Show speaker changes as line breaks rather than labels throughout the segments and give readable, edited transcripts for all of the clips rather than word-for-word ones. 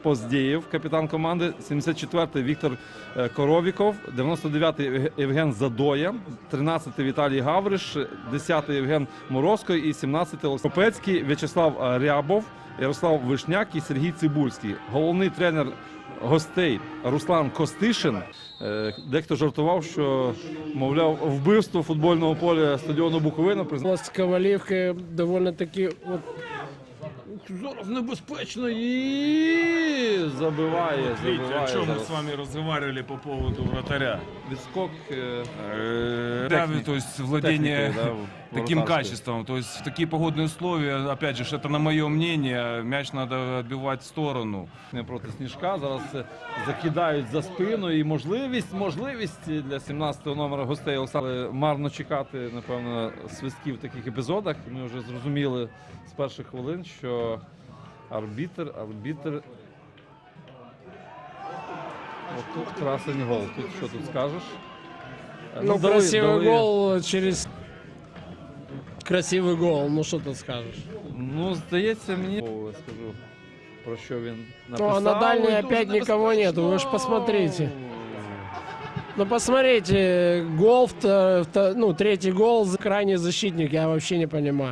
Поздєєв, капітан команди, 74-й Віктор Коровіков, 99-й Євген Задоя, 13-й Віталій Гавриш, 10-й Євген Морозко і 17-й Олександр Копецький, В'ячеслав Рябов, Ярослав Вишняк і Сергій Цибульський. Головний тренер гостей Руслан Костишин. Дехто жартував, що, мовляв, вбивство футбольного поля стадіону Буковина.
З Ковалівки доволі-таки зараз небезпечно і забиває.
О чем мы с вами разговаривали по поводу вратаря.
Відскок,
То есть владение таким качеством. То есть в такие погодные условия, опять же, это на мое мнение, мяч надо отбивать в сторону.
Не проти Сніжка, зараз закидають за спину і можливість для 17-го номера гостей Олександра марно чекати, напевно, свистків в таких епізодах. Ми вже зрозуміли з перших хвилин, що арбітр. Тут красень гол. Тут що тут скажеш?
Красивый гол через красивый гол. Ну що тут скажеш?
Ну, здається, мені скажу, про що він написав.
Ну, а на дальней опять никого нету, вы ж посмотрите. Ну, посмотрите, гол, третий гол, крайний защитник, я вообще не понимаю.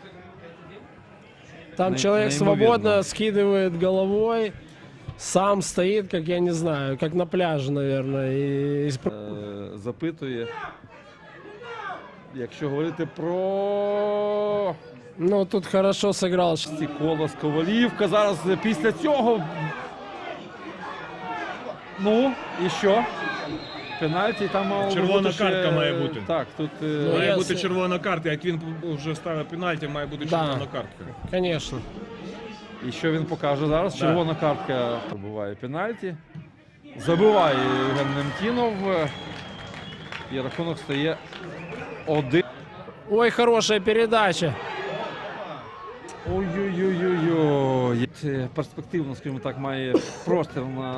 Там человек свободно скидывает головой, сам стоит, как я не знаю, как на пляже, наверное.
Запитує, якщо говорити про...
Ну, тут хорошо сыграл.
Колос, Ковалівка, зараз після цього... Ну, і що? Пенальті там мало
Червона
бути ще...
картка має бути.
Так, тут...
Має бути червона картка, як він вже ставив пенальті, має бути червона картка.
Конечно.
І що він покаже зараз? Червона картка пробиває пенальті. Забиває Євген Немтінов. І рахунок стає 1.
Ой, хорошая передача.
Ой-ой-ой-ой-ой. Перспективно, скажімо так, має простір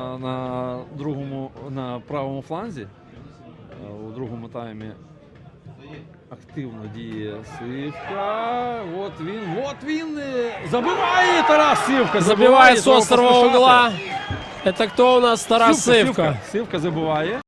на правому фланзі. У другому таймі активно діє Сивка. От він. Забиває Тарас Сивка.
Забивает с острого угла. Это кто у нас? Тарас Сивка.
Сивка забиває.